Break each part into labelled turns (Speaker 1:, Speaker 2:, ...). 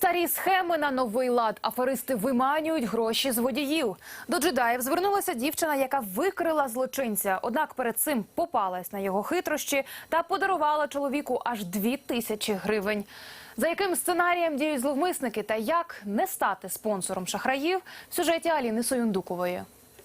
Speaker 1: Старі схеми на новий лад. Аферисти виманюють гроші з водіїв. До джедаїв звернулася дівчина, яка викрила злочинця. Однак перед цим попалась на його хитрощі та подарувала чоловіку аж 2000 гривень. За яким сценарієм діють зловмисники та як не стати спонсором шахраїв – в сюжеті Аліни Союндукової.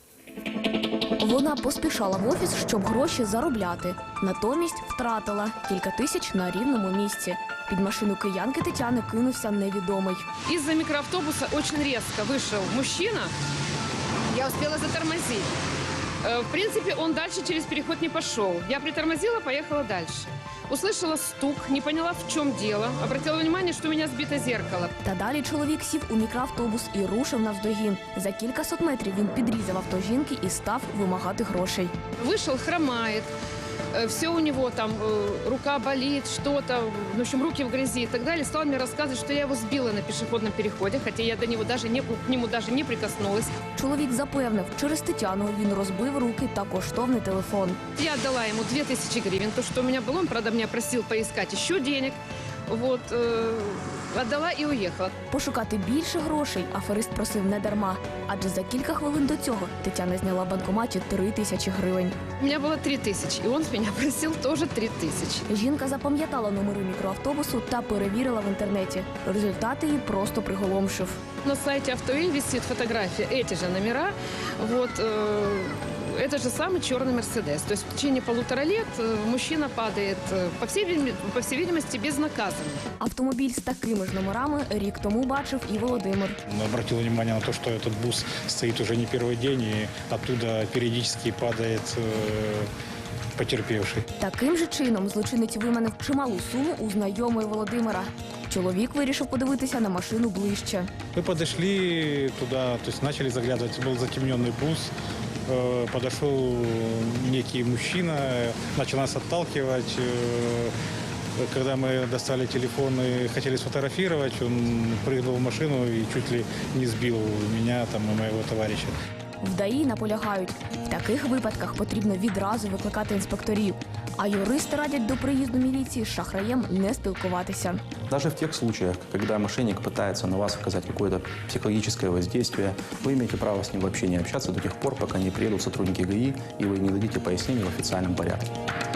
Speaker 2: Вона поспішала в офіс, щоб гроші заробляти. Натомість втратила кілька тисяч на рівному місці. Під машину киянки Тетяни кинувся невідомий.
Speaker 3: Из-за микроавтобуса очень резко вышел мужчина. Я успела затормозить. В принципе, он дальше через переход не пошел. Я притормозила, поехала дальше. Услышала стук, не поняла, в чем дело. Обратила внимание, что у меня сбито зеркало.
Speaker 2: Та далі чоловік сів у мікроавтобус і рушив навздогін. За кількасот метрів він підрізав авто жінки і став вимагати грошей.
Speaker 3: Вышел, хромает. Все у него там, рука болит, что-то, в общем, руки в грязи и так далее. Стал мне рассказывать, что я его сбила на пешеходном переходе, хотя я до него даже к нему даже не прикоснулась.
Speaker 2: Чоловік запевнив, через Тетяну він розбив руки та коштовний телефон.
Speaker 3: Я отдала ему 2000 гривен, то, что у меня было, он, правда, меня просил поискать еще денег. Вот, отдала и уехала.
Speaker 2: Пошукати більше грошей аферист просив не дарма. Адже за кілька хвилин до цього Тетяна зняла в банкоматі 3000 гривень.
Speaker 3: У меня было 3000, и он с меня просил тоже 3000.
Speaker 2: Жінка запам'ятала номери мікроавтобусу та перевірила в інтернеті. Результати її просто приголомшив.
Speaker 3: На сайте Автоиль висит фотография, эти же номера, вот, это же самый черный Мерседес. То есть в течение 1,5 лет мужчина падает, по всей видимости, безнаказанно.
Speaker 2: Автомобіль з такими ж номерами рік тому бачив і Володимир.
Speaker 4: Обратил внимание на то, что этот бус стоит уже не первый день, и оттуда периодически падает потерпевший.
Speaker 2: Таким же чином злочинець виманив чималу суму у знайомої Володимира. Чоловік вирішив подивитися на машину ближче.
Speaker 4: Мы подошли туда, то есть начали заглядывать, был затемненный бус, подошел некий мужчина, начал нас отталкивать. Когда мы достали телефон и хотели сфотографировать, он прыгнул в машину и чуть ли не сбил меня там, и моего товарища.
Speaker 2: В ДАІ наполягають, в таких випадках потрібно відразу викликати інспекторів. А юристи радять до приїзду міліції з шахраєм не спілкуватися.
Speaker 5: Даже в тех случаях, когда мошенник пытается на вас оказать какое-то психологическое воздействие, вы имеете право с ним вообще не общаться до тех пор, пока не приедут сотрудники ГАИ и вы не дадите пояснений в официальном порядке.